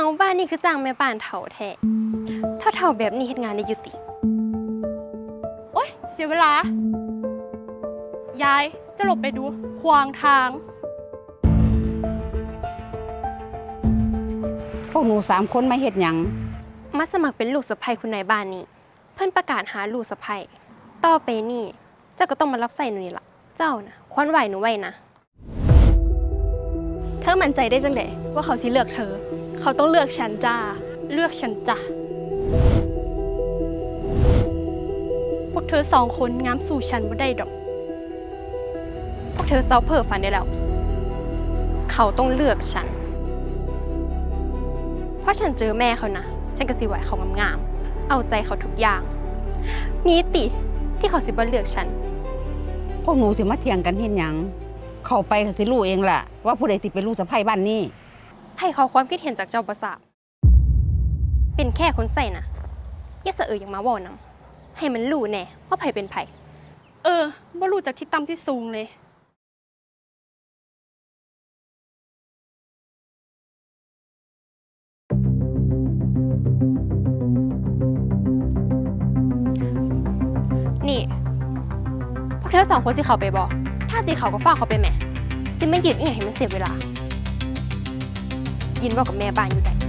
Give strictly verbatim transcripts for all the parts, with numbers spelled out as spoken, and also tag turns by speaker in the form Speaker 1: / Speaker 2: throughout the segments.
Speaker 1: บ้านนี่คือจ้างแม่บ้านเฒ่าแท้ถ้าเฒ่าแบบนี้เฮ็ดงานได้อยู่ติ
Speaker 2: โอ๊ยเสียเวลา ยายจะหลบไปดูขวางทาง
Speaker 3: พวกหนูสามคนมาเฮ็ดหยัง
Speaker 1: มาสมัครเป็นลูกสะใภ้คุณนายบ้านนี่เพิ่นประกาศหาลูกสะใภ้ต่อไปนี่เจ้าก็ต้องมารับใส่หนูนี่ล่ะเจ้านะควรไหวหนูไว้นะ
Speaker 2: เธอมั่นใจได้จังไดว่าเขาสิเลือกเธอ เขาต้องเลือกฉันจ้า เลือกฉันจ้ะพวกเธอสองคนงามสู่ฉันบ่ได้ดอก
Speaker 1: พวกเธอเซาเพ้อฝันได้แล้วเขาต้องเลือกฉันเพราะฉันเจอแม่เขานะฉันก็สิไหวเขางามๆเอาใจเขาทุกอย่างมีติที่เขาสิบ่เลือกฉัน
Speaker 3: พวกหนูสิมาเถียงกันเฮ็ดหยังเข้าไปก็สิรู้เองล่ะว่าผู้ใดสิเป็นลูกสะใภ้บ้านนี้
Speaker 1: ให้เขาความคิดเห็นจากเจ้าประสาทเป็นแค่คนใส่นะอย่าเสะเอยอย่างมาว่านำให้มันรู้แน่ว่าไผเป็นไผ
Speaker 2: เออบ่รู้จากที่ต่ำที่สูงเลย
Speaker 1: นี่พวกเธอสองคนสิเขาไปบอกถ้าสิเขาก็ฟ้าเขาไปแม่สิไม่ยืนอีหยังให้มันเสียเวลายินบอกกับแม่บ้านอยู่ได้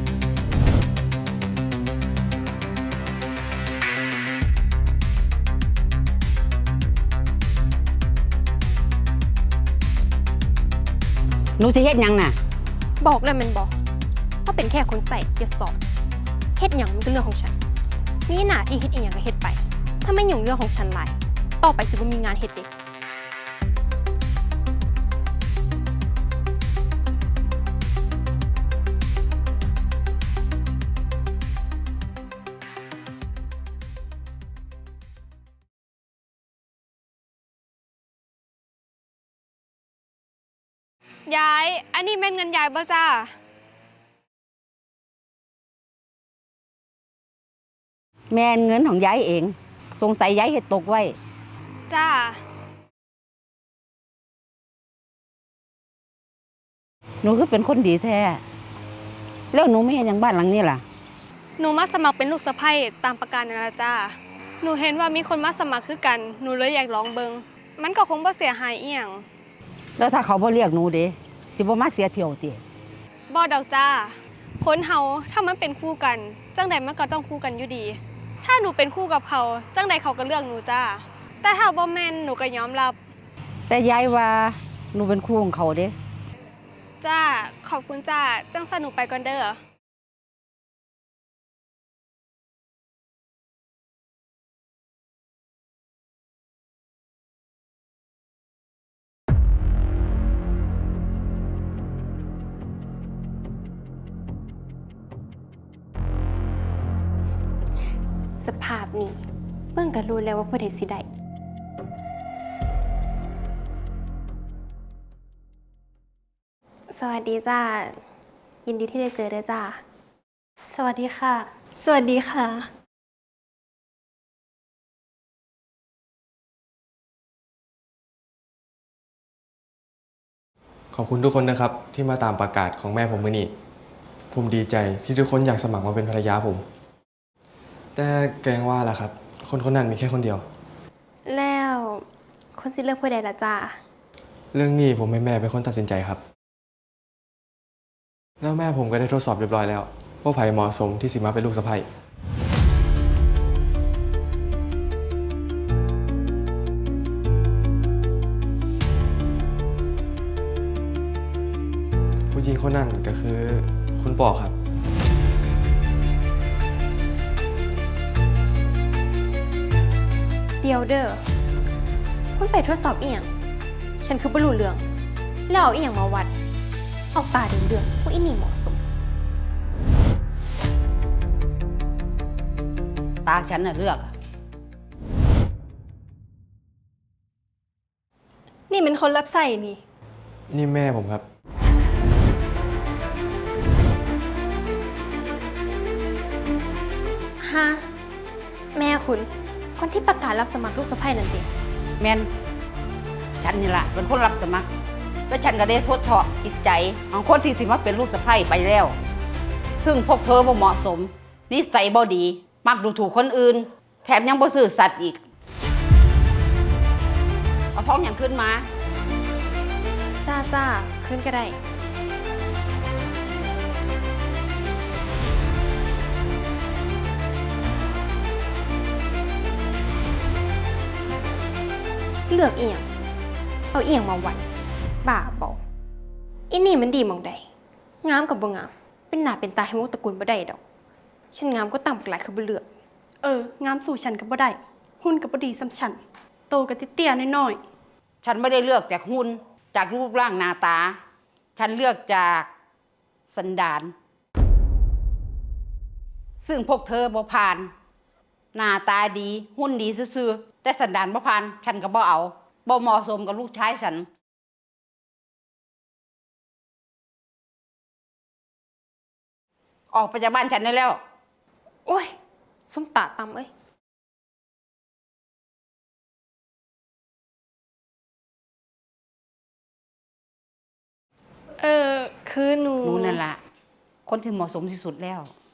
Speaker 3: หนูสิเฮ็ดหยังน่ะ
Speaker 1: บอกเลยมันบอกว่าเป็นแค่คนใส่อย่าสอนเฮ็ดหยังมันก็เรื่องของฉันมีหน้าที่เฮ็ดอีหยังก็เฮ็ดไปถ้าไม่ยุ่งเรื่องของฉันหลายต่อไปสิบ่มีงานเฮ็ดเด้
Speaker 2: ยาย อันนี้แม่นเงินยายบ่จ้า
Speaker 3: แม่นเงินของยายเองสงสัยยายเฮ็ดตกไว้
Speaker 2: จ้า
Speaker 3: หนูคือเป็นคนดีแท้แล้วหนูไม่เฮ็ดหยังบ้านหลังนี้ล่ะ
Speaker 2: หนูมาสมัครเป็นลูกสะใภ้ตามประกาศนั่นล่ะจ้าหนูเห็นว่ามีคนมาสมัครคือกันหนูเลยอยากลองเบิ่งมันก็คงบ่เสียหายอีหยัง
Speaker 3: แล้วถ้าเขาบ่เรียกหนูเด้สิบ่มาเสียเที่ยวติ
Speaker 2: บ่ดอกจ้าคนเฮาถ้ามันเป็นคู่กันจังใดมันก็ต้องคู่กันอยู่ดีถ้าหนูเป็นคู่กับเขาจังใดเขาก็เลือกหนูจ้าแต่ถ้าบ่แม่นหนูก็ยอมรับ
Speaker 3: แต่ยายว่าหนูเป็นคู่ของเขาเด้
Speaker 2: จ้าขอบคุณจ้าจังซั่นหนูไปก่อนเด้อ
Speaker 1: สภาพนี้เบิ่งก็รู้แล้วว่าผู้ใดสิได้สวัสดีจ้ายินดีที่ได้เจอด้วยจ้า
Speaker 2: สวัสดีค่ะสวัสดีค่ะ
Speaker 4: ขอบคุณทุกคนนะครับที่มาตามประกาศของแม่ผมมื้อนี้ผมดีใจที่ทุกคนอยากสมัครมาเป็นภรรยาผมแต่แกงว่าล่ะครับคนคนนั้นมีแค่คนเดียว
Speaker 1: แล้วคนสิเลือกผู้ใดล่ะจ้า
Speaker 4: เรื่องนี้ผมให้แม่เป็นคนตัดสินใจครับแล้วแม่ผมก็ได้ทดสอบเรียบร้อยแล้วว่าไผ่เหมาะสมที่สิมาเป็นลูกสะใภ้ผู้หญิงคนนั้นก็คือคุณปอครับ
Speaker 1: เดียวเด้อคุณไปทดสอบอีหยังฉันคือบ่รู้เรื่องแล้วเอาอีหยังมาวัดเอาตาเดืองๆว่าอีนี่เหมาะสม
Speaker 3: ตาฉันน่ะเลือก
Speaker 2: นี่เป็นคนรับใส่นี่
Speaker 4: นี่แม่ผมครับ
Speaker 1: ฮะแม่คุณคนที่ประกาศรับสมัครลูกสะใภ้นั่นสิ
Speaker 3: แม่นฉันนี่ล่ะเป็นคนรับสมัครแล้วฉันก็ได้ทดสอบจิตใจของคนที่สิมาเป็นลูกสะใภ้ไปแล้วซึ่งพวกเธอบ่เหมาะสม นิสัยบ่ดี มักดูถูกคนอื่น แถมยังบ่ซื่อสัตย์อีก เอาท้องอย่างขึ้นมา
Speaker 1: จ้าจ้าขึ้นก็ได้ เลือกเอียง เอาเอียงมาวันบ้าบอกอินี่มันดีหมองใด งามกับบ่งาม เป็นหน้าเป็นตาให้หมกตระกูลบ่ได้ดอก ฉันงามก็ตั้งบักหลายคือบ่เลือก
Speaker 5: เออ งามสู่ฉันก็บ่ได้ หุ่นก็บ่ดีสำฉัน โตก็เตี้ยๆน้อย
Speaker 3: ฉันไม่ได้เลือกจากหุ่นจากรูปร่างหน้าตา ฉันเลือกจากสันดาน ซึ่งพวกเธอบ่ผ่าน หน้าตาดี หุ่นดีซื่อๆแต่สันดานบ่ผ่าน ฉันก็บ่เอาบ่เหมาะสมกับลูกชายฉัน ออกไปจากบ้านฉันได้แล้ว
Speaker 1: โอ้ยส้มตาตำเอ้ย
Speaker 2: เออ คือหนู
Speaker 3: รู้นั่นละคนที่เหมาะสมที่สุดแล้ว